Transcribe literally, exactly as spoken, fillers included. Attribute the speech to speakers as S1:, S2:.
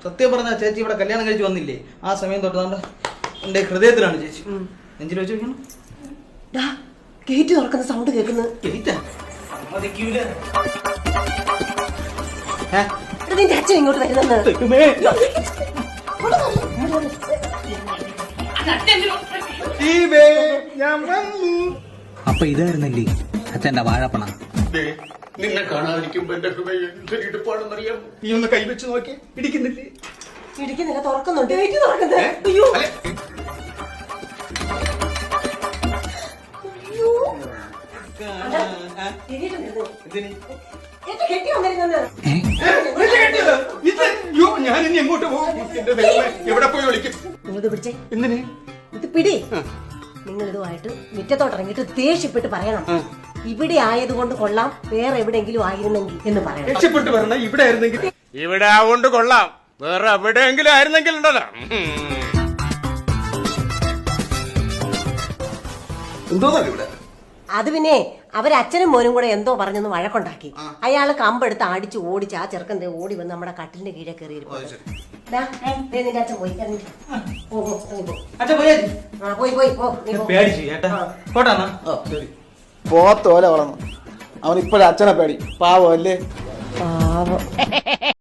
S1: സത്യം പറഞ്ഞ ചേച്ചി ഇവിടെ കല്യാണം കഴിച്ച് വന്നില്ലേ ആ സമയം തൊട്ട് നമ്മുടെ എന്റെ ഹൃദയത്തിലാണ് ചേച്ചി. നെഞ്ചിൽ വെച്ച് വെക്കണം.
S2: ഗേറ്റ് തുറക്കുന്ന സൗണ്ട് കേൾക്കുന്നത്. നിന്റെ അച്ഛൻ ഇങ്ങോട്ട് വരുന്നത്.
S3: അപ്പൊ ഇതായിരുന്നല്ലേ അച്ഛന്റെ വാഴപ്പണ.
S4: നിന്നെ കാണാതിരിക്കുമ്പോ എന്റെ ഹൃദയം ഇടുപ്പാണെന്നറിയാം. നീ ഒന്ന് കൈവച്ച് നോക്കി. ഇടിക്കുന്നില്ലേ?
S2: ഇടിക്കുന്നില്ല, തുറക്കുന്നുണ്ട്. ഗേറ്റ് തുറക്കുന്നത്. അയ്യോ
S4: ഞാൻ ഇനി എങ്ങോട്ട് പോകും? എവിടെ പോയി വിളിക്കും?
S2: നിങ്ങളിത് പിടിച്ചേ.
S4: എന്തിന്?
S2: ഇത് പിടി. നിങ്ങൾ ഇതുമായിട്ട് മുറ്റത്തോട്ട് ഇറങ്ങിയിട്ട് ദേഷ്യപ്പെട്ട് പറയണം, ഇവിടെ ആയതുകൊണ്ട് കൊള്ളാം, വേറെ എവിടെയെങ്കിലും ആയിരുന്നെങ്കിൽ എന്ന് പറയണം.
S4: രക്ഷപ്പെട്ട് പറഞ്ഞ ഇവിടെ ആയിരുന്നെങ്കിൽ. ഇവിടെ ആവുകൊണ്ട് കൊള്ളാം, വേറെ എവിടെയെങ്കിലും ആയിരുന്നെങ്കിൽ ഉണ്ടല്ലോ. എന്തോന്നല്ല ഇവിടെ.
S2: അത് പിന്നെ അവരച്ഛനും മോനും കൂടെ എന്തോ പറഞ്ഞൊന്ന് വഴക്കുണ്ടാക്കി. അയാള് കമ്പെടുത്ത് അടിച്ച് ഓടിച്ച് ആ ചെറുക്കൻ ഓടി വന്ന് നമ്മുടെ കട്ടിലിന്റെ കീഴെ കയറിയിരുന്നു. നിന്റെ അച്ഛൻ പോയി പോയി പോയി
S5: പോത്തോലെ വളർന്നു. അവൻ ഇപ്പോഴും അച്ഛനെ പേടി. പാവം അല്ലേ?
S2: പാവം.